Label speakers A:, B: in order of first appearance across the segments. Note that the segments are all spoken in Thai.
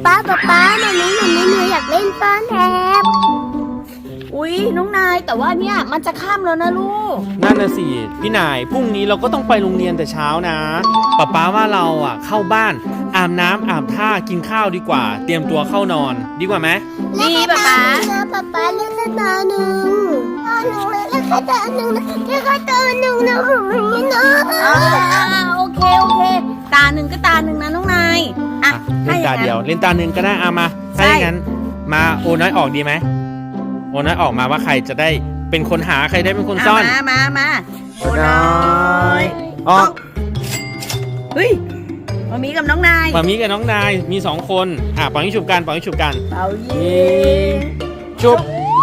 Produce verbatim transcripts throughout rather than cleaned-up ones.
A: ป๊าป๊าป๊ามานี้หนูไม่หนูอยากเล่นซ่อนแอบ
B: อุ๊ยน้องนายแต่ว่าเนี่ยมันจะค่ำแล้วนะลูก
C: นั่นน่ะสิพี่นายพรุ่งนี้เราก็ต้องไปโรงเรียนแต่เช้านะป๊าป๊าว่าเราอ่ะเข้าบ้านอาบน้ำอาบท่ากินข้าวดีกว่าเตรียมตัวเข้านอนดีกว่าไหม
B: ดีป๊าป๊า
A: ป๊าป๊าเล่นตาหนึ่งตาหนึ่งเลยเล่นตาหนึ่งนะเล่นตาหนึ่งนะนี่นะ
B: โอเคโอเคตาหนึ่งก็ตาหนึ่งนะน้องนายอ่ะ
C: เล่นตาเดียวเล่นตาหนึ่งก็ได้เอามาถ้าอย่างนั้นมาโอน้อยออกดีไหมโอน้อยออกมาว่าใครจะได้เป็นคนหาใครได้เป็นคนซ่อน
B: มามามา
C: โอน้อยออก
B: เฮ้ยมามีกับน้องนาย
C: มามีกับน้องนายมีสองคนอ่ะปล่อยให้ฉุบกันปล่อยให้ฉุบกัน
B: เป่ายิง
C: ฉุบ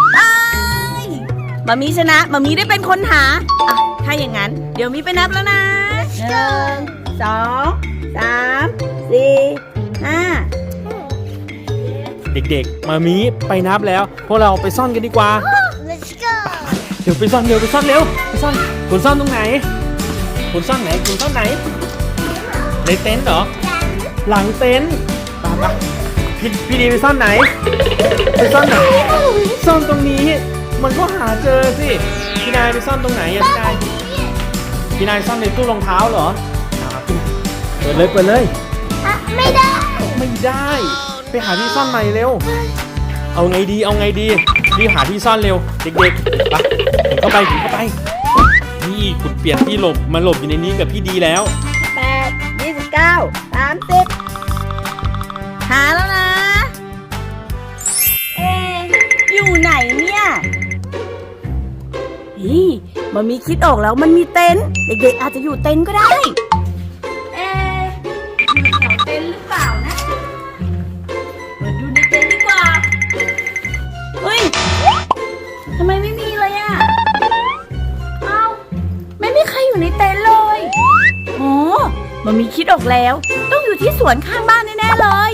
B: มามีชนะมามีได้เป็นคนหาอ่ะถ้าอย่างนั้นเดี๋ยวมีไปนับแล้วนะหนึ่งสองสามสี่ห้า
C: เด็กๆมามีไปนับแล้วพวกเราไปซ่อนกันดีกว่า
A: Let's go
C: เดี๋ยวไปซ่อนเร็วไปซ่อนเร็วไปซ่อนคุณซ่อนตรงไหนคุณซ่อนไหนคุณซ่อนไหนในเต็นท์เหรอหลังเต็นท์ตามมาพี่พี่ดีไปซ่อนไหนไปซ่อนไหนซ่อนตรงนี้มันก็หาเจอสิพี่นายไปซ่อนตรงไหนอะพี่นายพี่นายซ่อนในตู้รองเท้าเหรอเปิดเลยเปิดเลย
A: ไม่ได้
C: ไม่ได้ไปหาที่ซ่อนใหม่เร็วเอาไงดีเอาไงดีรีบหาที่ซ่อนเร็วเด็กๆไปถึงเข้าไปถึงเข้าไปนี่ขุดเปลี่ยนที่หลบมาหลบอยู่ในนี้กับพี่ดีแล้ว
B: แปดยี่สิบเก้าสามสิบหาแล้วนะเออยู่ไหนเนี่ยนี่มันมีคิดออกแล้วมันมีเต็นท์เด็กๆอาจจะอยู่เต็นท์ก็ได้เออยู่แถวเต็นท์หรือเปล่านะเปิดดูในเต็นท์ดีกว่าเฮ้ยทำไมไม่มีเลยอ่ะเอ้าไม่มีใครอยู่ในเต็นท์เลยโอ้มันมีคิดออกแล้วต้องอยู่ที่สวนข้างบ้านแน่ๆเลย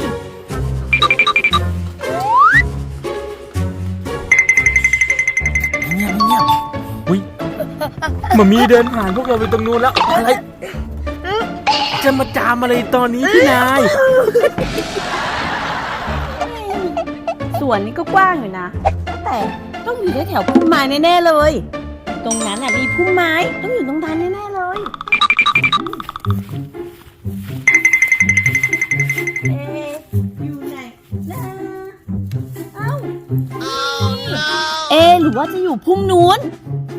C: เงียบเงียบอุ้ยมันมีเดินผ่านพวกเราไปตรงนู้นแล้วอะไรจะมาจามอะไรตอนนี้พี่นาย
B: สวนนี้ก็กว้างอยู่นะแต่ต้องอยู่แถวพุ่มไม้แน่ๆเลยตรงนั้นน่ะมีพุ่มไม้ต้องอยู่ตรงนั้นแน่ๆเลยเอ๊ะอยู่ไหนนะเอ้าเอ๊ะหรือว่าจะอยู่พุ่มนู้น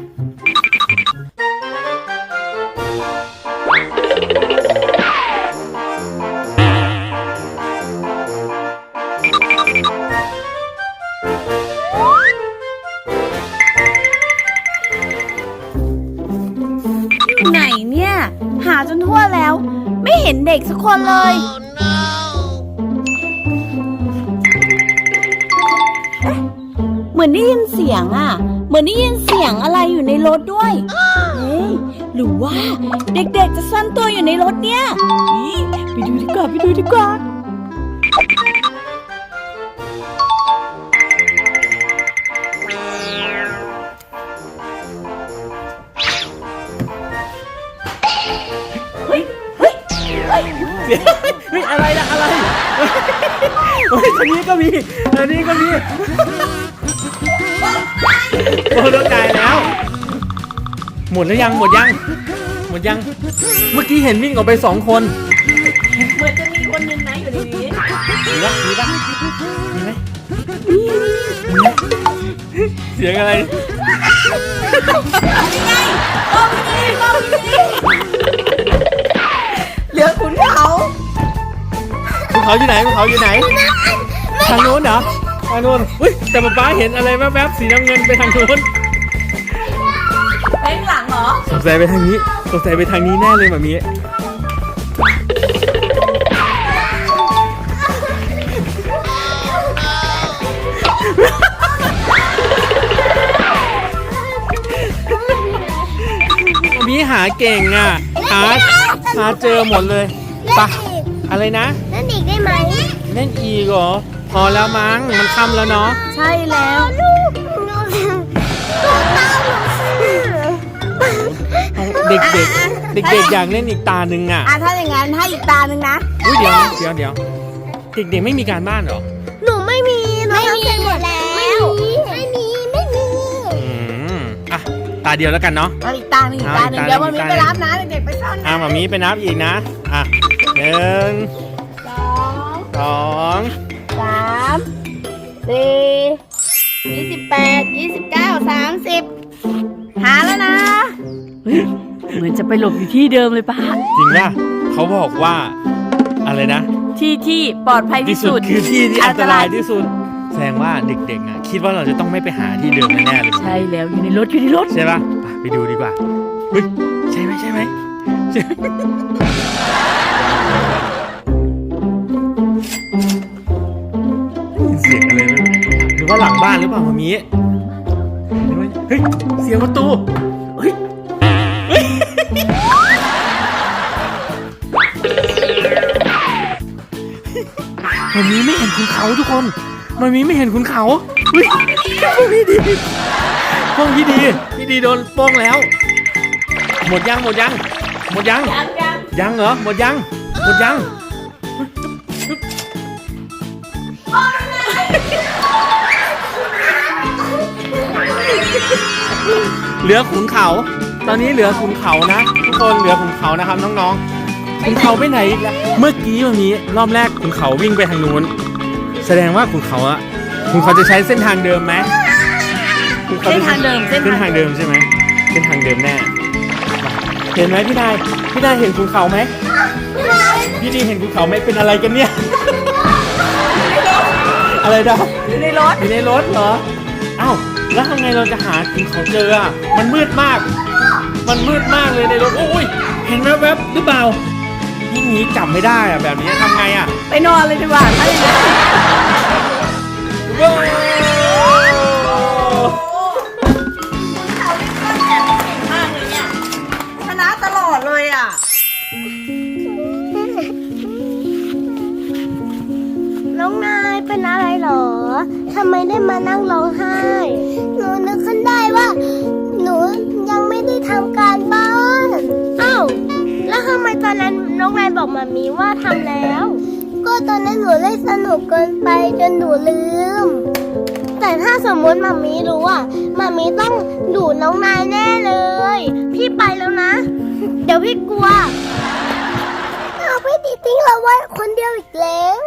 B: ไหนเนี่ยหาจนทั่วแล้วไม่เห็นเด็กสักคนเลยเอ๊ะเหมือนได้ยินเสียงอ่ะเหมือนได้ยินเสียงอะไรอยู่ในรถด้วยเฮ้ยหรือว่าเด็กๆจะซ่อนตัวอยู่ในรถเนี่ยไปดูดีกว่าไปดูดีกว่าเฮ้ยเฮ้ยเฮ้ย
C: เฮ้ยอะไรนะอะไรเฮ้ยอันนี้ก็มีอันนี้ก็มีโอ้ต้องตายแล้วหมดแล้วยังหมดยังหมดยังเมื่อกี้เห็นวิ่งออกไปสองคน
B: เหมือนจะมีคนนึงนะอยู่ในนี้
C: มีปะมีปะมีไหมเสียงอะไร
B: นี่ไงโอ้ยนี่โอ้ยนี่เหลือขุนเขา
C: ขุนเขาอยู่ไหนขุนเขาอยู่ไหนทางโน้นเหรอทางโน้นอุ้ยแต่ป๊าป๊าเห็นอะไรแวบๆสีน้ำเงินไปทางโน้น
B: ไปหลังเหรอ
C: สงสัยไปทางนี้สงสัยไปทางนี้แน่เลยแบบนี้มีหาเก่งอ่ะหาหาเจอหมดเลยปะอะไรนะ
A: เล่นอีกได้ไหม
C: เล่นอีกเหรอพอแล้วมั้งมันค่ำแล้วเนาะ
B: ใช่แล้ว
A: ลูกตัวเต้า
C: เด็กเด็กเด็กเด็กอยากเล่นอีกตาหนึ่งอ่ะ
B: อ่ะถ้าอย่างงั้นให้อีกตาหนึ่งนะ
C: อุ้ยเดี๋ยวเดี๋ยวเดี๋ยวเด็กๆไม่มีการบ้านเหรอ
A: หนูไม่มีหนูทำเสร็จหมดแล้วไม่มีไม่มีไม่มี
C: อืมอ่ะตาเดียวแล้วกันเนาะ
B: เอาอีกตาหนึ่งอีกตาหนึ่ง
C: เอาอีกตา
B: เดี๋ยวมันมี
C: อีกตา
B: ไปรับนะเด็กๆไปซ่อน
C: อ่ะ
B: นะ
C: มามีไปนับอีกนะอ่ะหนึ่ง
B: สอง
C: สอง
B: สามสี่ยี่สิบแปดยี่สิบเก้าสามสิบหาแล้วนะเฮ้ยเหมือนจะไปหลบอยู่ที่เดิมเลยป้า
C: จริงป่ะเขาบอกว่าอะไรนะ
B: ที่ที่ปลอดภัยที่สุด
C: คือที่ที่อันตรายที่สุดแสดงว่าเด็กๆนะคิดว่าเราจะต้องไม่ไปหาที่เดิมแน่ๆเลย
B: ใช่แล้วอยู่ในรถอยู่ในรถ
C: ใช่ป่ะไปไปดูดีกว่าเฮ้ยใช่ไหมใช่ไหมใช่ไหมเสียงอะไรนะหรือว่าหลังบ้านหรือเปล่ามามีหรือว่าเฮ้ยเสียงประตูเฮ้ยเฮ้ยมามีไม่เห็นคุณเขาทุกคนมามีไม่เห็นคุณเขาเฮ้ยพวกพี่ดีพวกพี่ดีพี่ดีโดนโป้งแล้ว หมดยังหมดยังหมดยัง
B: ยังยัง
C: ยังเหรอหมดยังหมดยังเหลือขุนเขา ตอนนี้เหลือขุนเขานะทุกคนเหลือขุนเขานะครับน้องๆขุนเขาไปไหนอีกแล้วเมื่อกี้วันนี้รอบแรกขุนเขาวิ่งไปทางนู้นแสดงว่าขุนเขาอะขุนเขาจะใช้เส้นทางเดิมไหมขุนข
B: เส้น
C: จะ
B: ทางเดิม
C: เส้นทางเดิมใช่ไหมเส้นทางเดิมแน่เห็นไหมพี่นายพี่นายเห็นขุนเขาไหมพี่ดีเห็นขุนเขาไหมเป็นอะไรกันเนี่ยอะไรดาว
B: อยู่ในรถ
C: อยู่ในรถเหรออ้าวแล้วทำไงเราจะหาขุนเขาเจออ่ะมันมืดมาก มันมืดมากเลยในรถโอ้ยเห็นแวบๆหรือเปล่ายิ่งนี้จับไม่ได้อ่ะแบบนี้ทำไงอ่ะ
B: ไปนอนเลยดีกว่าถ้าอย่างนั้น
C: ว้าว
B: เขาเล่นก้อนแอบเก่งมากเลยเนี่ยชนะตลอดเลยอ่ะ
A: น้องนายเป็นอะไรหรอทำไมได้มานั่งร้องไห้หนูนึกขึ้นได้ว่า หนูยังไม่ได้ทำการบ้านอ้าวแล้วทำไมตอนนั้นน้องนายบอกมามีว่าทำแล้ว ก็ตอนนั้นหนูเล่นสนุกเกินไปจนหนูลืม แต่ถ้าสมมติมามีรู้อ่ะมามีต้องดูน้องนายแน่เลย พี่ไปแล้วนะ เดี๋ยวพี่กลัวเอาพี่ติทิ้งเราไว้คนเดียวอีกแล้ว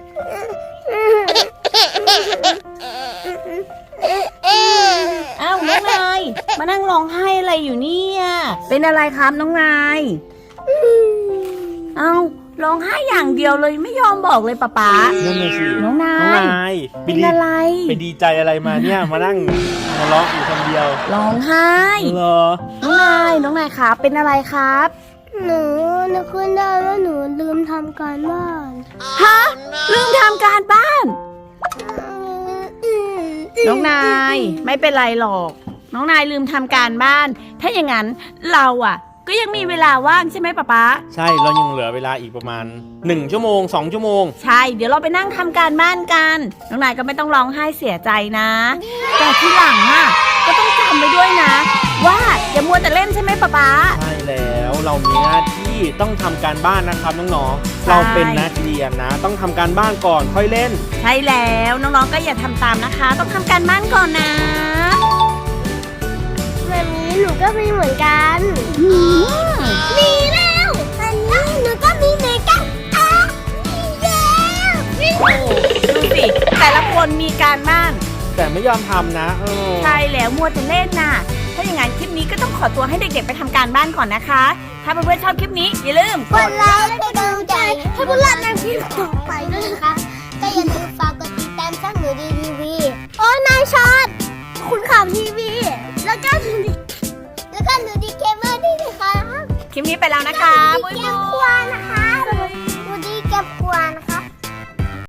B: อ้าวน้องนายมานั่งร้องไห้อะไรอยู่เนี่ยเป็นอะไรครับน้องนายอ้าวร้องไห้อย่างเดียวเลยไม่ยอมบอกเลยป๊าป๊า
C: นั่นเลยสิ
B: น้องนาย
C: น้องนาย
B: เป็นอะไร
C: ไปดีใจอะไรมาเนี่ยมานั่งหัวเราะอยู่คนเดียว
B: ร้องไห้
C: เหรอ
B: น้องนายน้องนายครับเป็นอะไรครับ
A: หนูนึกขึ้นได้ว่าหนูลืมทำการบ้าน
B: ฮะลืมทำการบ้าน น้องนายไม่เป็นไรหรอก น้องนายลืมทำการบ้าน ถ้าอย่างนั้นเราอ่ะ ก็ยังมีเวลาว่างใช่ไหมป๊าป๊า
C: ใช่เรายังเหลือเวลาอีกประมาณหนึ่งชั่วโมงสองชั่วโมง
B: ใช่เดี๋ยวเราไปนั่งทำการบ้านกัน น้องนายก็ไม่ต้องร้องไห้เสียใจนะ แต่ที่หลังอ่ะก็ต้องจำไว้ด้วยนะ ว่าอย่ามัวแต่เล่นใช่ไหมป๊าป๊า
C: ใช่แล้วเรามีหน้าที่ต้องทำการบ้านนะครับน้องๆ
B: ใช่
C: เราเป็นนักเรียนนะ ต้องทำการบ้านก่อนค่อยเล่น
B: ใช่แล้วน้องๆก็อย่าทำตามนะคะ ต้องทำการบ้านก่อนนะ
A: แบบนี้หนูก็มีเหมือนกันมีแล้วอันนี้หนูก็มีเหมือนกันอ้าวมีแล้ว
B: โอ้ดูสิแต่ละคนมีการบ้าน
C: แต่ไม่ยอมทำนะเออ
B: ใช่แล้วมัวแต่เล่นน่ะ ถ้าอย่างนั้นคลิปนี้ก็ต้องขอตัวให้เด็กๆไปทำการบ้านก่อนนะคะ ถ้าเพื่อนๆชอบคลิปนี้อย่าลืม
A: กดไลค์และเป็นกำลังใจให้พวกเราในคลิปต่อไปด้วยนะคะก็อย่าลืมฝากกดติดตามช่องหนูดีทีวีโอ้นายช็อตคุณข่าวทีวีแล้วก็หนูดีแล้วก็หนูดีเคเบิลด้วยนะคะ
B: คลิปนี้ไปแล้วนะคะ
A: หนูดีเกมควานะคะ